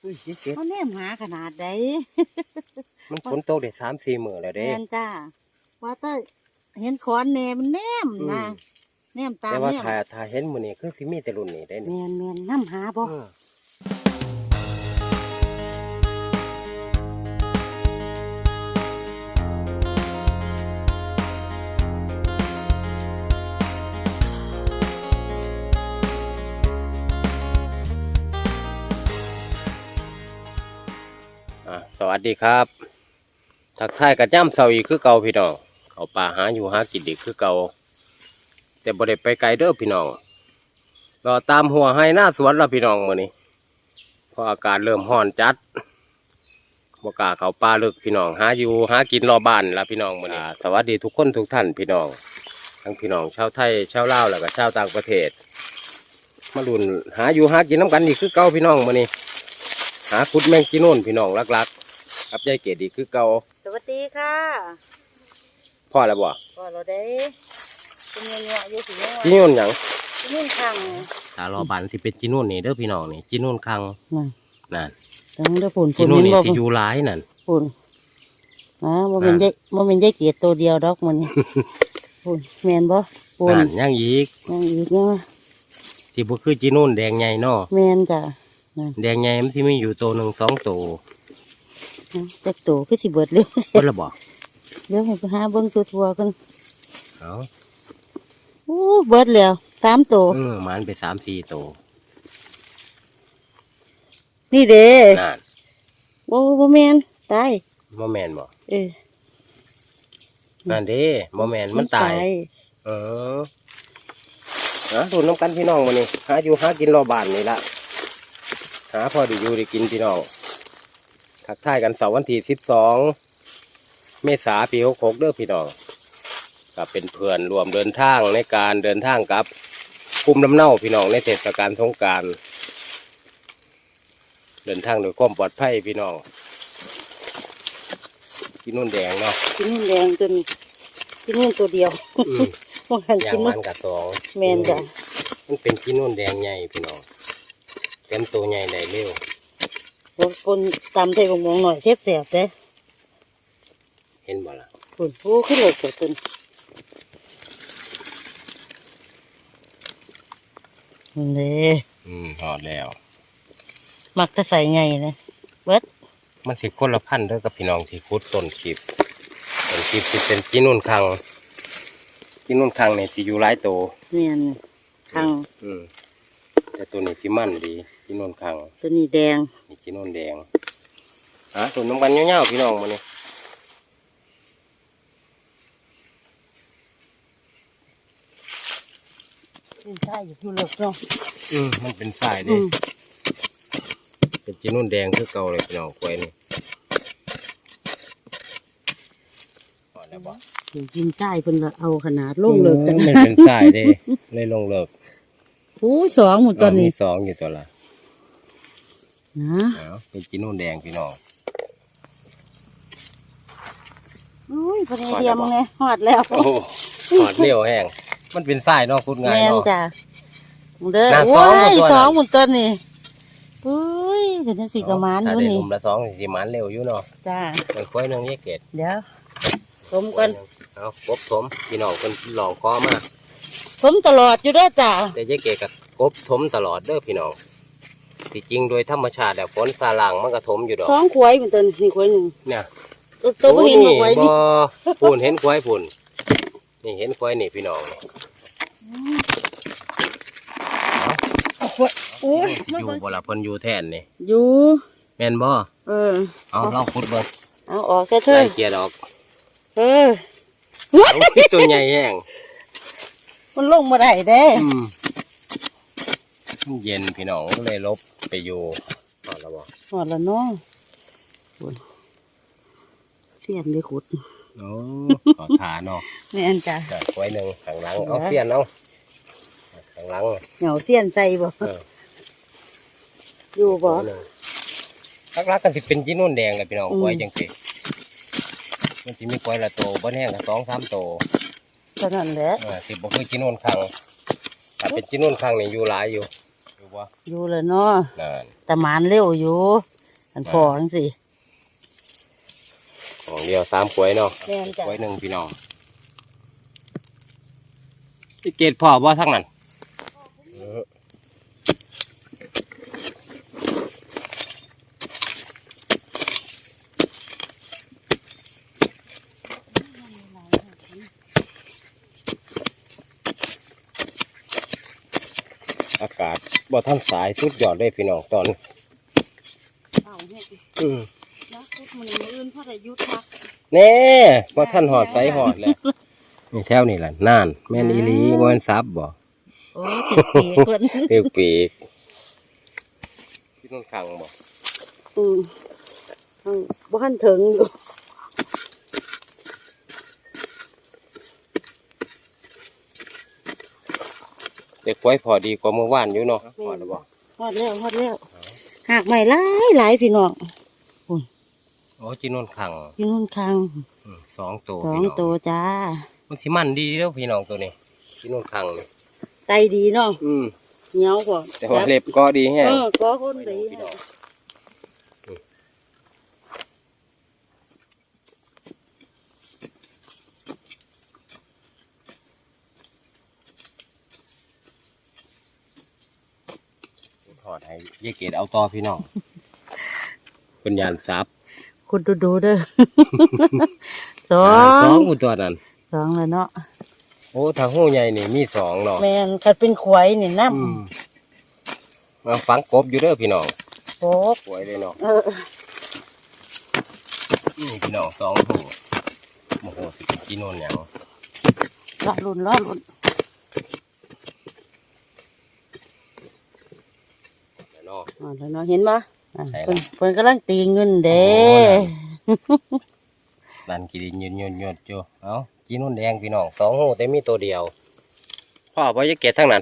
เขาแนมหาขนาดใดมันฝนตกได้3-4 มื้อแล้วเด้แม่นจ้าว่าแต่เห็นขอนแหนมนแนมนะแนมตามแต่ว่าแนมถ้าเห็นมื้อนี้คือสิมีแต่รุ่นนี้ได้นี่แม่นน้ำหาบ่สวัสดีครับทักทายกับย่ำเสาอีกคือเก่าพี่น้องเขาป่าหาอยู่หากินอีกคือเก่าแต่บ่ได้ไปไกลเด้อพี่น้องรอตามหัวให้หน้าสวนแล้วพี่น้องมื้อนี้เพราะอากาศเริ่มร้อนจัดบ่กล้าเข้าป่าลึกพี่น้องหาอยู่หากินรอบ้านแล้วพี่น้องมื้อนี้สวัสดีทุกคนทุกท่านพี่น้องทั้งพี่น้องชาวไทยชาวลาวแล้วก็ชาวต่างประเทศมาลุ้นหาอยู่หากินน้ำกันอีกคือเก่าพี่น้องมื้อนี้หาขุดแมงจีโน่นพี่น้องลักๆกับยายเกดอีกคือเก่าสวัสดีค่ะพ่อแล้วบ่ก็เราได้เป็นเงี้ยอยู่สิเงี้ยจีโน่นหยังนี่ขังถ้ารอบานสิเป็นจีโน่นนี่เด้อพี่น้องนี่จีโน่นคังนั่นนั่นตั้งเด้อฝุ่นจีโน่นนี่บ่สิอยู่หลายนั่นฝุ่นบ่เป็นใจเกียรตัวเดียวดอกมันฝุ่นแม่นบ่ฝุ่นนั่นยังอีกยังอีกยังที่บ่คือจีโน่นแดงใหญ่เนาะแม่นจ้ะแดงใหญ่มันสิมีอยู่ตัวหนึ่ง2 ตัวจักโตคือสิเบิดเร็วเพิ่นละบ่เดี๋ยวให้ไปหาเบิ่งทั่วๆกันเอาโอ้เบิดแล้ว3 ตัวมันไป3-4 ตัวนี่เด้นั่นบ่แม่นตายบ่แม่นบ่เออนั่นเด้บ่แม่นมันตายเออดูน้ำกันพี่น้องมื้อนี้หาอยู่หากินรอบ้านนี่ละหาพอได้อยู่ได้กินพี่น้องทักทายกันเสาร์วันที่12 เมษายนปี66เด้อพี่น้องก็เป็นเพื่อนรวมเดินทางในการเดินทางกับภูมิลำเนาพี่น้องในเทศกาลสงกรานต์เดินทางโดยความปลอดภัยพี่น้องกินนุ่นแดงเนาะกินนู่นแดงจนกินนู่นตัวเดียวพวกหันอย่ากิงนนู่มัน นกับ2 แมนจ้ะมันเป็นกินนุ่นแดงใหญ่พี่น้องเป็นตัวใหญ่ได้เร็วคนตำใส่บงมองหน่อยเสียบเสียบเด้เห็นบ่ล่ะคุณโอ้ขึ้นเลยเกิดขึ้นนี่หอดแล้วมักจะใส่ไงนะเบิดมันสิคนละพันธุ์เด้อกับพี่น้องที่คุดต้นคลิปสิเป็นกินนุ่นคังนี่สิอยู่หลายตัวเมียนคังแต่ตัวนี้สิมันดีกินนุ่นคังตัวนี้แดงนี่กินนุ่นแดงตัวน้ำกันเงี้ยวๆพี่น้องมาเนี่ยเป็นใช่อยู่เลิกเนาะมันเป็นสายเด้เป็นกินนุ่นแดงคือเก่าเลยพี่น้องกล้วยนี่พอแล้วบ่กินใช่เพิ่นละเอาขนาดลงเลิกกันมันเป็นสายเด้เลยลงเลิกโอ้สองหมดตอนนี้มี2อยู่ตัวละนะเป็นกินนุ่นแดงพี่น้องโอ้ยพอดีเดียมไงหอดแล้วโอ้หอดเลี้ยวแห้งมันเป็นสายเนาะพูดง่ายแมนเนาะจ้ะเด้อน่าโอ้สองหมดตัวน่ะยสองหมดตอนนี้อุ้ยเดี๋ยวจะสีกระมานอถ้ายู่ได้นี่ลุมละ2สิมันเร็วอยู่เนาะจ้ามันค่อยนึงแยกเกตเดี๋ยวผมกันเอากบถมพี่น้องคนหลองคอมาผมตลอดอยู่เด้อจ้าแต่แยกเกตกับกบถมตลอดเด้อพี่น้องที่จริงโดยธรรมชาติแล้วฝนซาลังมันก็ถมอยู่ดอกสองขวายเหมือนตัวนี่ขวายหนึ่งเนี่ยตัวบ่เห็นมาขวายนี่ปุ่นเห็นควายปุ่นนี่เห็นควายนี่พี่น้องเอาขวายโอ้ยอยู่บ่ละเพิ่นอยู่แทนนี่อยู่แม่นบ่เออเอาลองขุดเบิ่งเอาออกซะเถไล่อะเกียร์ดอกเออเอาตัวใหญ่แห้งมันลงมาได้เด้มันเย็นพี่น้องเลยลบไปอยู่เอาแล้วบ่หอดแล้วเนาะโอ้ยเสียนเลยขุดโอ้ขอขาเนาะแม่นจ้ะแต่ควายหนึ่งข้างหลังเอาเสียนเอาข้างหลังเหงาเสียนใส่บ่เอออยู่บ่ควายหนึ่งลักๆกันสิเป็นจีนุ่นแดงเลยพี่น้องควายจังสิมันสิมีควายละโตบ่แห้งกับ2-3 โตเท่านั้นแหละสิบ่คือจีนุ่นคังถ้าเป็นจีนุ่นคังนี่อยู่หลายอยู่บ่อยู่เลยเนาะนั่นแต่หมานเร็วอยู่อันพอจังสิของเดียว3กล้วยเนาะแม่นจ้ะกล้วยหนึ่งพี่น้องที่เกตพ่อบ่ทั้งนั้นอากาศบ่ทันสายสุดยอดเลยพี่น้องตอนเอาเฮ็ดอืมนะคุดมันอื่นพระได้ยุทธักแน่บ่ทันหอดใสหอดเลยนี่แถวนี่แหละน่านแม่นอีหลีบ่แม่นซับบ่โอ้ติดปีกเพิ่นเปรี้ยวปีกที่นู่นขังบ่บ่ทันถึงอยู่เด็กไว้พอดีกว่าเมื่อวานอยู่เนาะพอแล้วบ่ฮอดแล้วหากใหม่หลายพี่น้องโอ้จีนู่นขังอยู่นู่นคัง 2 ตัวสองพี่น้องตัวจ้ามันสิมันดีเด้อพี่น้องตัวนี้จีนู่นขังนี่ไตดีเนาะ เหนียวกว่าแต่ว่าเล็บก็ดีแฮะก็คนดีพี่น้องถอดให้ยายเกดเอาต่อพี่น้องเป็นยานซับคุณดูเด้อ สอสอง งอุตัวนั้นสองเลยเนาะโอ้ถ้าหู้ใหญ่นี่มี2เนาะแมนคันเป็นขวายนี่น้มาฝังกบอยู่เด้อพี่น้องำโอ้สวยเลยเนาะเออนี่พี่น้อง2หูโอ้โหสิกินโน่นหยังล้อลุ่นเนาะอ๋อแล้วเนาะเห็นปะอ่ะใช่เพิ่นละเพิ่นกำลังตีเงินเด้นั่นกินยืนอยู่เอ้ากินโน่นแดงพี่น้อง2หูแต่มีตัวเดียวพ่อพ่อจะเก็บทั้งนั้น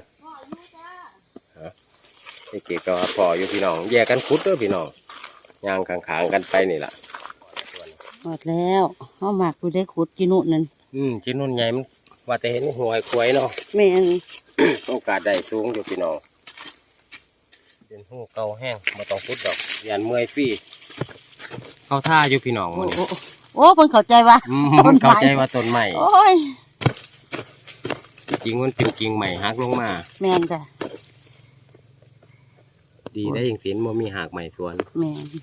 จะเก็บก็พ่ออยู่พี่น้องแยกกันขุดเด้อพี่น้องย่างข้างๆกันไปนี่ล่ะหมดแล้วเขาหมักดูได้ขุดกินุนั่นกินโน่นใหญ่มันว่าแต่เห็นหัวไอ้ควายเนาะแม่นโอกาสได้สูงอยู่พี่น้องเป็นหูเก่าแห้งมาต้องขุดดอกยันเมื่อยฟรีเข้าท่าอยู่พี่น้องโอ้มันโอ้โอ้เพิ่นเข้าใจว่า ต้นไม้เข้าใจว่าต้นใหม่โอ้ยจริงมันเป็นกิ่งใหม่หักลงมาแม่นจ้ะดีได้อย่างสินมันมีหากใหม่สวนแม่น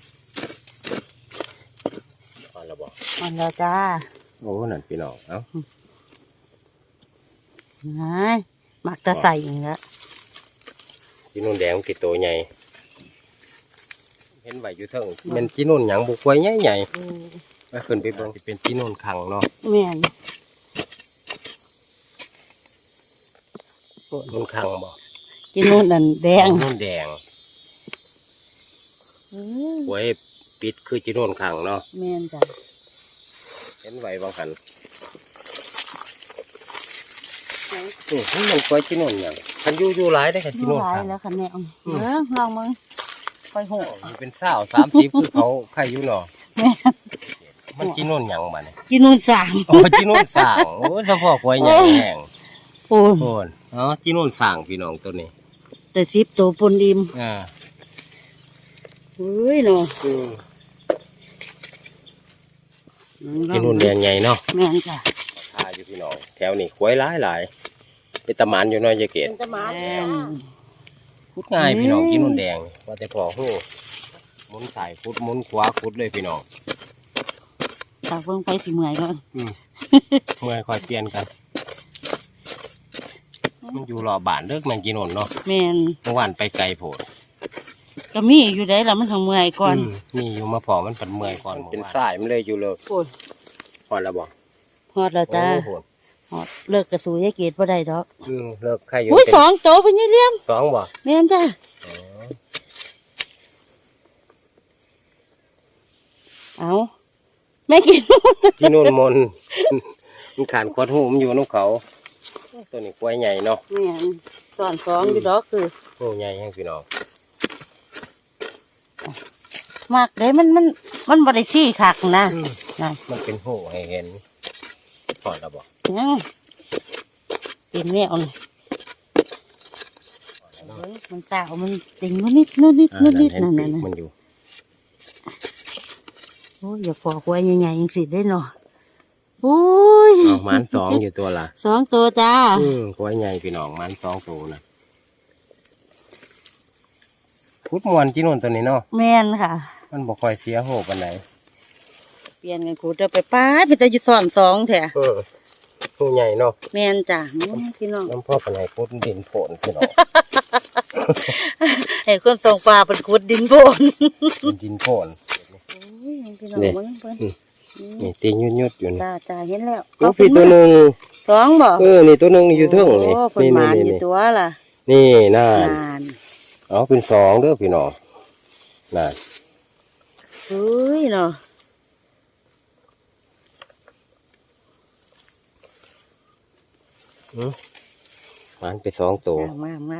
พอแล้วบอกหมดแล้วจ้าโอ้นั่นพี่น้องเอ้าไงหมักจะใส่อย่างเงี้ยจีนุ่นแดงมันติดตัวใหญ่เห็นใบอยู่เทิงเป็นจีนุ่นหยังบุกไว้ใหญ่ๆไปขึ้นไปเบิ่งสิเป็นจีนุ่นขังเนาะแม่นนุ่นขังบ่กินุนั่นแดงนุ่นแดงไว้ปิดคือจีนุ่นขังเนาะแม่นจ้ะเห็นใบบางหันมันคอยจีนุ่นหยังคันอยู่หลายได้อคันจีดูนุ่นหลายขังแล้วค่ะแม่ลองมึงไปโหมันเป็น30คือเขาใครอยู่เนาะแม่มันจีนุ่นหยังมาเนี่ยกินุนสามโอ้จีนุ่นสร้างโอ้เฉพาะกล้วยใหญ่แห้งโอ้โอนอ๋อจีนุ่นสร้างพี่น้องตัวนี้แต่10ตัวปนดิมอ่าเฮ้ยเนาะจีนุ่นแดงใหญ่เนาะแม่นจ้ะทาอยู่พี่น้องแถวนี้กล้วยหลายเป็นตะหมานอยู่เน้อยยายเกศเป็นตะหมาขุดง่ายพี่น้องจีนุ่นแดงว่าแต่พอหูหมุนสายขุดหมุนขวาขุดเลยพี่น้องตาเพิ่งไปสิเมื่อยก่อนเมื่อคอยเปลี่ยนกัน มันอยู่รอบบ้านเลิกแมงจีนุ่นเนาะแม่นเมื่อวานไปไกลโพดก็มีอยู่ได้แล้วมันทางเมื่อยก่อนนี่อยู่มาพอมันเป็นเมื่อยก่อนเป็นสายมันเลยอยู่เลยโอ้ยพอแล้วบอกฮอดแล้วจ้าโอ้โหฮอดเลิกกระสูยายเกดบ่ได้ดอกเลิกใครอยู่อุ้ยเป็น 2ตัวเพิ่นยี่เลี้ยม 2บ่แม่นจ้ะเอาแม่กินจีนุ่นมน มันขานขวดหูมันอยู่น้องเขาตัวนี้กล้วยใหญ่เนาะแม่นสอน2อยู่ดอกคือโอ้ใหญ่แห้งพี่น้องมากเด้มันบ่ได้ขี้คักนะนั่นมันเป็นหูให้เห็นพอแล้วบอกยังเป็นแนวนี่เฮ้ยมันตาวมันติ่งนู่นนิดนั่นเห็นั่นปีกน่ะมันอยู่อ้ยอย่าพอควายใหญ่ๆยังสิได้เนาะโอ้ยเอาหมันสองอยู่ตัวละสองตัวจ้าควายใหญ่พี่น้องหมันสองตัวนะพุดมวนจีนุ่นตัวนี้เนาะแม่นค่ะมันบ่ค่อยเสียโหปานไหนเปลี่ยนกันกูเดี๋ยวไปป้าดไปจะอยู่ซ้อนสองแถะตัวใหญ่เนาะแม่นจ้ะพี่น้องน้ำพ่อปานไหนพุดดินโผล่พี่น้องไอ้คนส่งปลาเป็นขุดดินโพนดินโผล่โอ้ยพี่น้องนี่มันเพิ่นนี่ตีนยุดๆอยู่นี่จ้าเห็นแล้วโอ้พี่ตัวหนึ่งสองบ่นี่ตัวหนึ่งอยู่เทิงนี่โอ้เพิ่นหมานอยู่ตัวล่ะนี่น่านนานเอาเป็นสองเด้อพี่น้องน่านเฮ้ยเนาะมันไปสองตัวมา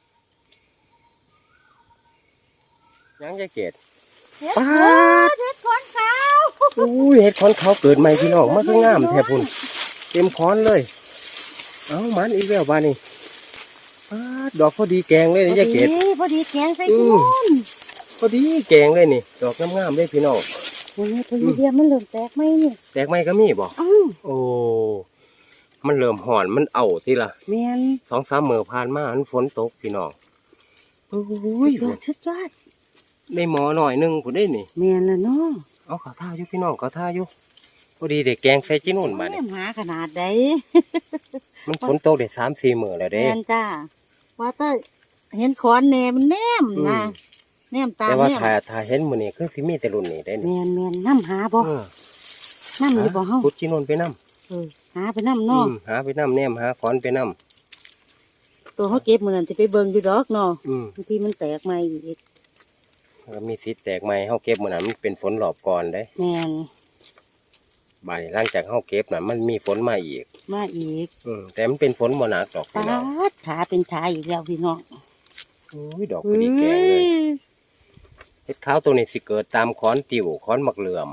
ยังจะเกตเฮ็ดป๊าดเฮ็ดขอนขาวอุ้ยเห็ดขอนเขาเกิดใหม่พี่น้องมันคืองามแทบพุ่นเต็มขอนเลย เอามันอีกแล้วบ้านี่ป๊าดดอกพอดีแกงเลยนี่จะเกตพอดีแกงใส่กุ้งพอดีแกงเลยนี่ ดอกงามๆเลยพี่น้องโอ้ยตัวเดียวมันเริ่มแตกไหมนี่แตกไหมก็มีบ่อ้าวโอ้มันเริ่มห่อนมันเอาทีละแม่น 2-3 มื้อผ่านมามันฝนตกพี่น้องโอ้ยสุดยอดได้หมอหน่อยหนึงพุ่นได้นี่แม่นแล้วเนาะเอาเขาท่าอยู่พี่น้องเขาท่าอยู่พอดีเด็กแกงใส่จีนุ่นมาเนี่ยหาขนาดใดมันฝนตกได้3-4 มื้อแล้วเด้แม่นจ้าว่าแต่เห็นขอนแหนมันแนมนะแนมตามแต่ว่าแนมถ้าเห็นมื้อนี้คือสิมีแต่รุ่นนี้ได้นี่แม่นน้ำหาบ่เออน้ำอยู่บ่เฮาพุดจีนุ่นไปนำหาไปน้ำเนาะหาไปนำแนมหาขอนไปนำตัวเขาเก็บมื้อนั้นสิไปเบิ่งอยู่ดอกเนาะอืมบางทีมันแตกใหม่อีกก็มีสิทธิ์แตกใหม่เฮาเก็บมื้อนั้นมันเป็นฝนรอบก่อนเด้แม่นบ่ายหลังจากเฮาเก็บน่ะมันมีฝนมาอีกมาอีกแต่มันเป็นฝนบ่หนักดอกปาพี่น้องดขาเป็นขาอีกแล้วพี่น้องโอ้ยดอกพอดีแกงเลยเฮ็ดขาวตัวนี้สิเกิดตามขอนติ่วขอนมักเหลื่อม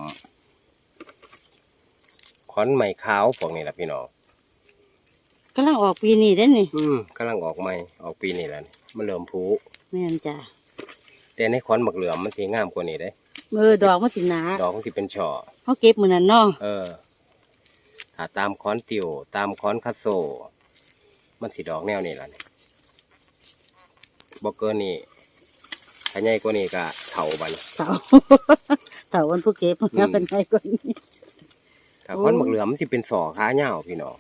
ขอนไม้ขาวพวกนี้ล่ะพี่น้องกำลังออกปีนี้เด้นี่กำลังออกใหม่ออกปีนี้แล้วนี่มันเริ่มผุแม่นจ้ะแต่ในขอนมักเหลื่อมมันสิงามกว่านี้เด้ดอกมันสิหนาดอกมันสิเป็นช่อเขาเก็บมื้อนั้นเนาะถ้าตามขอนติ่วตามขอนคัสโซ มันสิดอกแนวนี้ล่ะนี่บ่เกินนี่ถ้าใหญ่กว่านี้ก็เฒ่าบัดนี้เต่า เต่าวันผู้เก็บนะเป็นไงก่อนนี้ถ้าขอนมักเหลื่อมมันสิเป็นศอกขาเหย้าพี่น้อง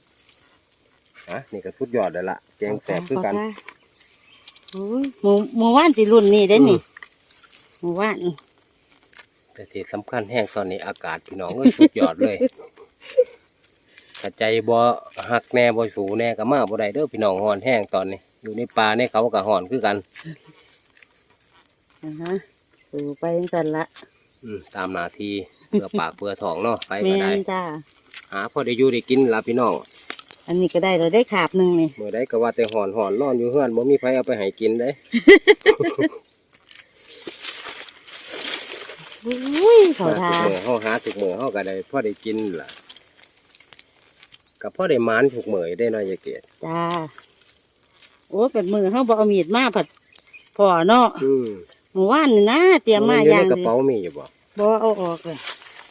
นี่ก็สุดยอดแล้วล่ะแกงแสบคือกันโอ้ยหมู่ว่านสิรุ่นนี่เด้นี่หมู่ว่านแต่ที่สำคัญแห้งตอนนี้อากาศพี่น้องเอ้ยสุดยอดเลยถ้าใจบ่หักแน่บ่สูแน่ก็มาบ่ได้เด้อพี่น้องฮ้อนแห้งตอนนี้ อยู่ในป่าในเขาก็ฮ้อนคือกันสู่ไปกันละตามหน้าที่เพื่อปากเพื่อท้องเนาะไปแม่ก็ได้นจ้าหาพอได้อยู่ได้กินล่ะพี่น้องอันนี้ก็ได้เราได้ขาบหนึ่งนี่เมื่อใดก็ว่าแต่ฮ้อนนอนอยู่เฮือนบ่มีไผเอาไปให้กินเด้อุ้ยเขาทาเฮาหาทุกมื้อเฮาก็ได้พอได้กินล่ะก็พอได้หมานทุกมื้อได้เนาะยายเกศจ้าโอ้เป็นมือเขาบอเอามีดมาผัดพ่อเนาะหมู่ว่านนี่นะเตรียมมาอยู่อย่างในกระดีเป๋ามีอยู่บ่บอเอาออกเลย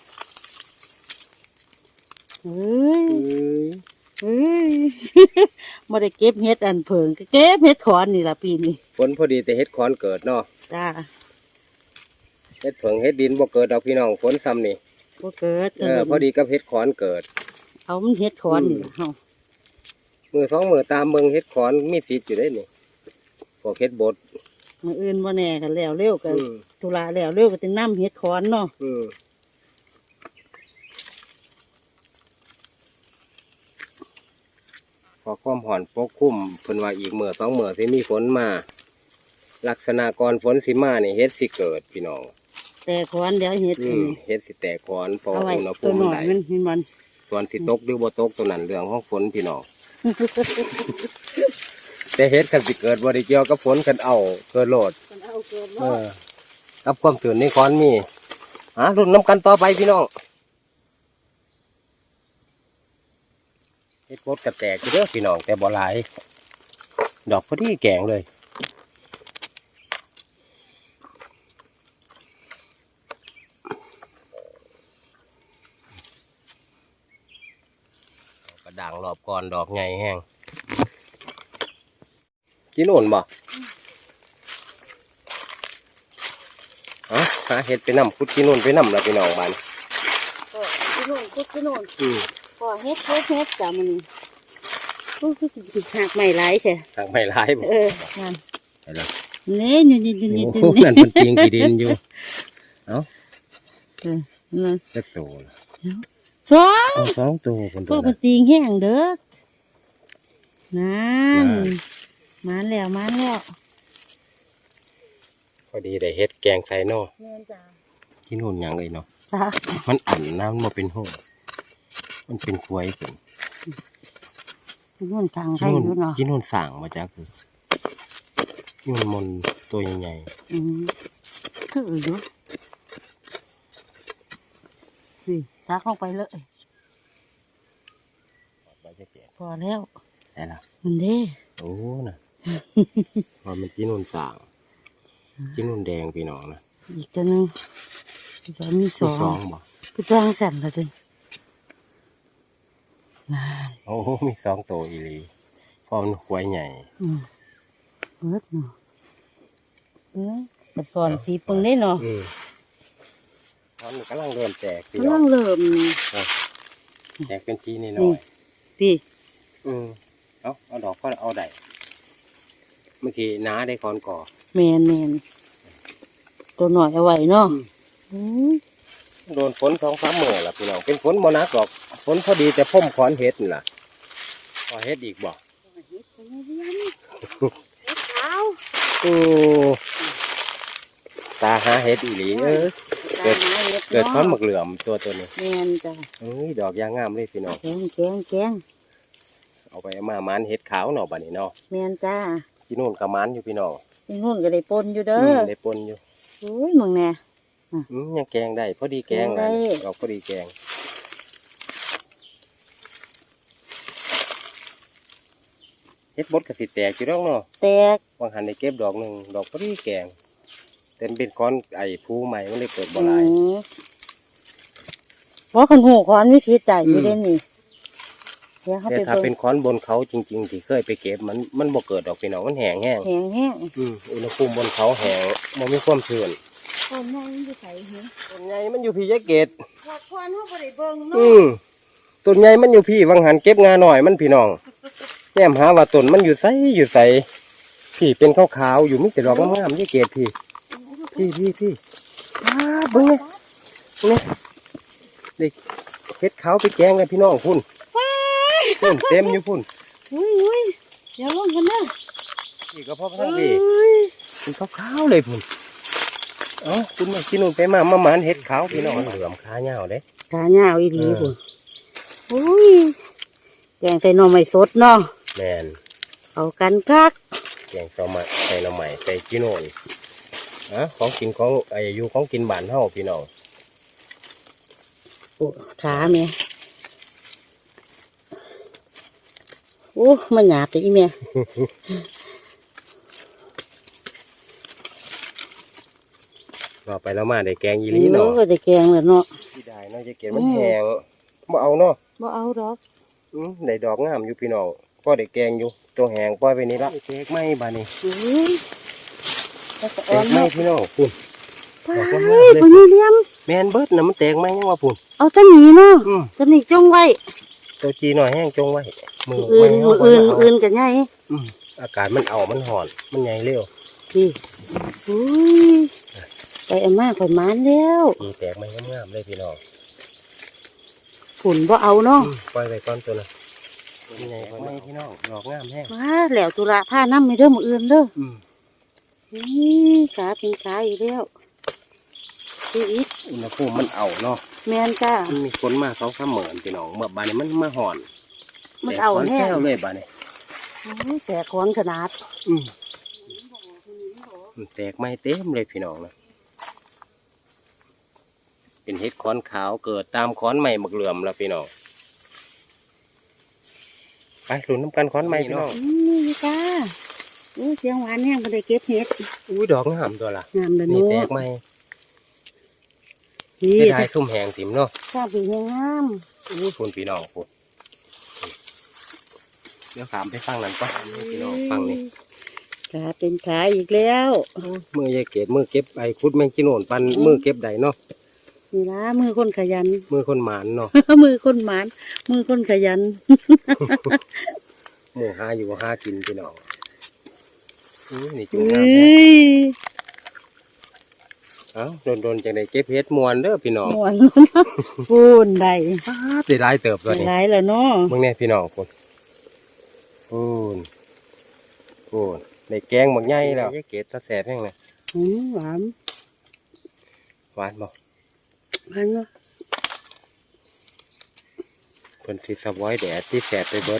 เฮ้ยเฮ้ย บ่ได้เก็บเฮ็ดอันเพิงก็เก็บเฮ็ดขอนนี่ล่ะปีนี้ฝนพอดีแต่เฮ็ดขอนเกิดเนาะจ้าเฮ็ดเผิงเฮ็ดดินบ่เกิดดอกพี่น้องฝนซ้ำนี่บ่เกิดพอดีกับเฮ็ดขอนเกิดเอามันเฮ็ดขอนนี่ล่ะเฮามือสองมือตามเบิ่งเฮ็ดขอนมีสิทธิ์อยู่ได้นี่พวกเฮ็ดบดมื้ออื่นบ่แน่กันแล้วเร็วกันอืมธุระแล้วเร็วก็สินำเฮ็ดขอนเนาะอืมพอความห่อนปกคลุมเพิ่นว่าอีกมื้อ2 มื้อสิมีฝนมา ลักษณะก่อนฝนสิมานี่เฮ็ดสิเกิดพี่น้องแต่ขอนเดี๋ยวเฮ็ดอันนี้เฮ็ดสิแตกขอนเพราะเอาไว้อุณหภูตัวมิหน่มันอยได้มันเห็นมันส่วนสิตกหรือบ่ตกตัวนั้นเรื่องของฝนพี่น้อง แต่เฮ็ดคันสิเกิดบ่ได้เกี่ยวกับฝนคันเอาเกิดโลดมันเอาเกินกับความตื่นในคอนมีรุ่นน้ำกันต่อไปพี่น้องเฮ็ดโคตรกระแตกอยู่เด้อพี่น้องแต่บ่หลาย ดอกพอดีแกงเลยด่างรอบก่อนดอกใหญ่แห้งกินโน่นบ่หาเห็ดไปนำคุดกินโน่นไปนำแล้วพี่น้องบ้านก็กินโน่นคุดกินโน่น ก็เฮ็ดจ้ะมันโอ้คือหักใหม่หลายใช่ทางไม่ร้ายบ่งานไปแล้วนี่อยู่โอ้นั่นมันจริงกี่ดินอยู่เอ้านั่นจะโตละสองเอาสองตัวคนพตัว วกมันละจริงแห้งเด้อนั่นมาแล้วพอดีได้เฮ็ดแกงไข่นอเงินจ้ะกินโน่นหยังเลยเนาะจ้ะมันอั่นน้ำมันเป็นห้องมันเป็นควยเป็นเงินทางกิใครนโน่นอยู่เนาะกินโน่นสั่งมาจากคือกินโน่นมนตัวใหญ่คืออยู่นี่ซักลงไปเลยๆไปจะแกะพอแล้วได้ละมันเด้โอ้น่ะ มันกินโน่นสั่งกินโน่นแดงพี่น้องนะอีกตัวหนึงจะมีสมีองสองบ่คือจ้างสั่นละเลยนั่นโอ้มีสองตัวอีหลีเพราะมันควยใหญ่เบิดเนาะมันสอนสีปึงได้เนาะตอนนี้กำลังเริ่มแตกพี่กำน้ลัองงเริ่มแตกเป็นทีนิดหน่นี่อยพี่เอาดอกก็เอาได้บางทีน้าได้คอนก่อแมนตัวหน่อยเอาไว้เนาะโดนฝน2-3 มื้อล่ะพี่น้องเป็นฝนบ่หนักหรอกฝนพอดีแต่พ่มขอนเห็ดนี่ล่ะพอเห็ดอีกบ่ขาวโอ้ตาหาเห็ดอีหลีเกิดขอนหมึกเหลื่อมตัวนี้แมนจ้ะดอกยางงามเลยพี่น้องแกงเอาไปเอามามานเห็ดขาวเนาะบัดนี้เนาะแมนจ้าที่นู่นก็มานอยู่พี่น้องที่นู่นก็ได้ปนอยู่เด้อได้ปนอยู่โอ้ยมึงแน่ยังแกงได้พอดีแกงแกงได้เลยดอกพอดีแกงเฮ็ดบดกระสิแตกอยู่ดอกเนาะแตกบางหันได้เก็บดอกหนึ่งดอกพอดีแกงแต่มันเป็นก้อนไอ้ภูใหม่มันเลยเกิดบ่หลายเพราะคนหูคอนวิธีจ่ายอยู่เด่นนี่เดี๋ยวเขาแต่ไปถ้าเบิ่งเป็นค้อนบนเขาจริงๆที่เคยไปเก็บมันบ่เกิดดอกพี่น้องมันแห้งแห้งแห้งอุณหภูมิบนเขาแห้งมันมีความชื้นคนใหญ่มันจะใส่เหรอต้นใหญ่มันอยู่พี่ยะเกตหลักควันเขาบ่ได้เบิ่งเนาะต้นใหญ่มันอยู่พี่วังหันเก็บงาหน่อยมันพี่น้องแง้มหาว่าต้นมันอยู่ไสพี่เป็นขาวๆอยู่มีแต่ดอกงามๆยะเกตพี่เบิ่งเนี่ยเด็กเฮ็ดขาวไปแกงกันพี่น้องพุ่นเต็มอยู่พุ่นอุ้ยเดี๋ยวลงกันเด้อพี่ก็พอพระท่านพี่เป็นขาวๆเลยพุ่นคุณมากินนู่นไปมาหมานเฮ็ดขาวพี่น้องเหลือมขาเหงาเด้ขาเหงาอีหลีพุ่นอุ้ยแกงใส่หน่อไม้สดเนาะแม่นเอากันคักแกงต่อมาใส่หน่อไม้ใส่กินโน่นของกินของอยู่ของกินบ้านเฮาพี่น้องโอ้ขาแม่โอ้มันหยาบไปอีแม่รอไปแล้วมาได้แกงอีหลีเนาะก็ได้แกงแล้วเนาะที่ได้เนาะจะเก็บมันแห้งบ่เอาเนาะบ่เอาดอกได้ดอกงามอยู่พี่น้องก็ได้แกงอยู่ตัวแห้งปล่อยไปนี่ละแตกไหมบ้านี้อุ้ยแล้วก็แตอ่อนกไหมเนาะพี่น้องพุ่นไปบ่มีเหลี่ยมแมนเบิดน่ะมันแตกไหมยังว่าพุ่นเอาแตะหนีเนาะอืมตะหนีจงไว้ตัวจีหน่อยแห้งจงไว้มืออื่นไว้มือเาอื่นบ่อื่นกันใหญ่อากาศมันเอามันห่อน มันใหญ่เร็วพี่อุ้ยไปเอามาข่อยหมานแล้วมีแตกไหมงามๆเลยพี่น้องฝุ่นบ่เอาเนาะปล่อยไปก่อนตัวน่ะมันใหญ่กว่าไหมพี่น้องดอกงามแห้งมาแล้วตุลาผ้าน้ำไม่เด้อมืออื่นเด้ออืมนี่ขาเป็นขาอยู่แล้วพี่อิดอุณหภูมิมันเอาเนาะแมนจ้ามันมีฝนมา2-3 มื้อพี่น้องเมื่อบานนี้มันมาห่อนมันเอาแตแน่กก่อนแซวเลยบานนี้แต่ขอนขนาดมันแตกไหมเต็มเลยพี่น้องนะเป็นเห็ดขอนขาวเกิดตามขอนใหม่หมักเหลื่อมแล้วพี่น้องไปหลุนน้ำกันขอนใหม่พี่น้องนี่จ้าอู้เสียงหวานแห้งก็ได้เก็บเห็ดอุ้ยดอกงามตัวละงามเลยนี่เนาะแตกไหมนี่เฮ็ดหายซุ่มแหงถิ่มเนาะข้าวผีงามอุ้ยคุณพี่น้องคุณเดี๋ยวขามไปฟังนั่นก็พี่น้องฟังนี่ขาเป็นขาอีกแล้วมือยายเกดมือเก็บไอ้คุดแมงจีโน่นปันมือเก็บใดเนาะนี่ละมือคนขยันมือคนหมานเนาะมือคนหมานมือคนขยันหมูหาอยู่หากินพี่น้องนี่จุ่เอ้งน้ำยเอ้าโดนจังไดเก็บเฮ็ดมวนเด้อพี่น้องม่วนพูนได้สิได้เติบตัวนี้หลายแล้วเนาะมึงเนี่ยพี่น้องคนปูนในแกงหมักใหญ่แล้วยายเกดตาแสบแห้งเลยหวานหวานบ่หวานเนาะเพิ่นสิสะบอยแดดที่แสบไปเบิด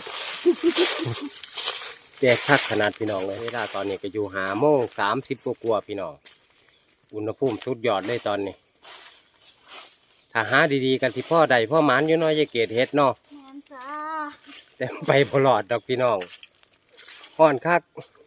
แจกคักขนาดพี่น้องเลยเวลาตอนนี้ก็อยู่5:30กว่าๆพี่น้องอุณหภูมิสุดยอดเลยตอนนี้ถ้าหาดีๆกันที่พ่อใดพ่อหมานอยู่เน้อยยายเกดเฮ็ดเนาะแม่นจ้าแต่ไปพลอดดอกพี่น้องห่อนคัก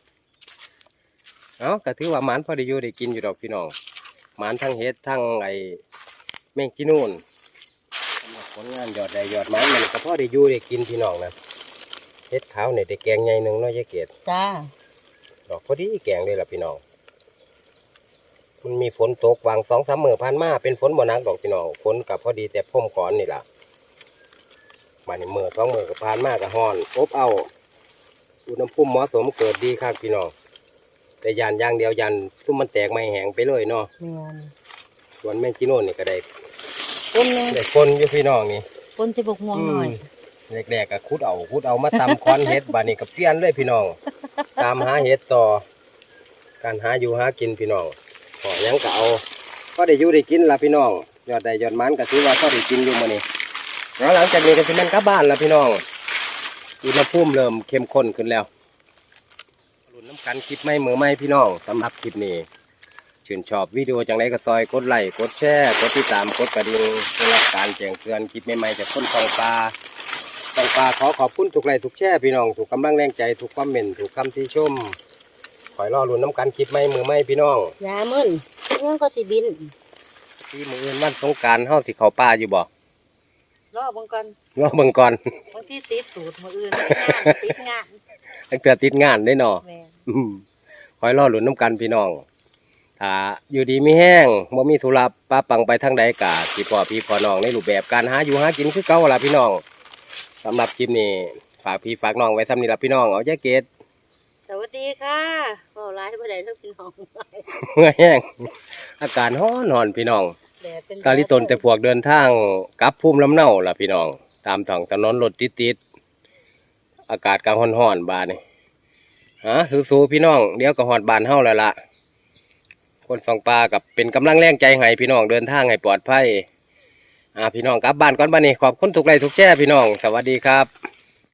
เอ้าก็ถือว่าหมานพอได้อยู่ได้กินอยู่ดอกพี่น้องหมานทั้งเฮ็ดทั้งไอ้แมงจีนูนสำหรับผลงานยอดใดยอดหมานมันก็พอได้อยู่ได้กินพี่น้องนะเฮ็ดขาวเนี่ยได้แกงใหญ่หนึ่งเนาะยายเกดจ้าดอกพอดีแกงเลยล่ะพี่น้องมันมีฝนตกวาง2-3 มื้อผ่านมาเป็นฝนบ่หนักดอกพี่น้องฝนกับพอดีแต่พ่มก่อนนี่ล่ะมาในมื้อ2 มื้อก็ผ่านมาก็ฮ้อนอบเอาอุณหภูมิเหมาะสมเกิดดีครับพี่น้องแต่ยานอย่างเดียวยานซุ่มมันแตกไม่แห้งไปเลยเนาะแม่นส่วนแมงจีโน่นนี่ก็ได้คนนึงได้คนอยู่พี่น้องนี่คนสิบกม่วงหน่อยแรกๆก็ขุดเอามาตำคอนเห็ดบาดนี้ก็เปลี่ยนเลยพี่น้อง ตามหาเห็ดต่อ การหาอยู่หากินพี่น้องขอหยังก็เอาก็ได้อยู่ได้กินละพี่น้องยอดใดยอดมันก็ถือว่าก็ได้กินอยู่มื้อนี้แล้วหลังจากนี้ก็สิแม่นกลับบ้านละพี่น้องอุณหภูมิเริ่มเข้มข้นขึ้นแล้วรุ่นน้ำกันคลิปไม่มือไม่พี่น้องสำหรับคลิปนี้ชื่นชอบวิดีโอจังไรก็ซอยกดไลค์กดแชร์กดติดตามกดกระดิ่งเพื่อรับการแจ้งเตือนคลิปใหม่ๆจากคนฟังปลาขอขอบคุณทุกไลค์ทุกแชร์พี่น้องถูกกำลังแรงใจถูกคอมเมนต์ถูกคำที่ชมคอยรอรุ่นน้ำกันคลิปไม่มือไม่พี่น้องยามึนยังก็สิบินที่มืออื่นวันสงกรานต์เฮาสิเข้าป่าอยู่บ่รอเบังกันรอเบิ่งก่อนบางที่ติดสูตรมืออื่นติดงานตั้งแต่ติดงานได้เนาะแม่นคอยรอรุ่นน้ำกันพี่น้องถ้าอยู่ดีมีแห้งบ่มีธุระป้าปังไปทางใดกะสิพ่อพี่พ่อน้องในรูปแบบการหาอยู่หากินคือเก่าล่ะพี่น้องสำหรับคลิปนี้ฝากพี่ฝากน้องไว้ซ้ำนี้ล่ะพี่น้องเอาใจเกตสวัสดีค่ะโอ้ร้ายบ่ได้ทั้งพี่น้องเมื่อแห้งอากาศร้อนพี่น้องแดดเป็นกาลิตนแต่พวกเดินทางกลับภูมิลำเนาล่ะพี่น้องตามท้องถนนรถติดอากาศกลางร้อนๆบาดนี่สู้ๆพี่น้องเดี๋ยวก็ฮอดบ้านเฮาแล้วล่ะคนฟังปลากับเป็นกำลังแรงใจให้พี่น้องเดินทางให้ปลอดภัยพี่น้องกลับบ้านก่อนบ้านนี้ขอบคุณทุกไลค์ทุกแชร์พี่น้องสวัสดีครับ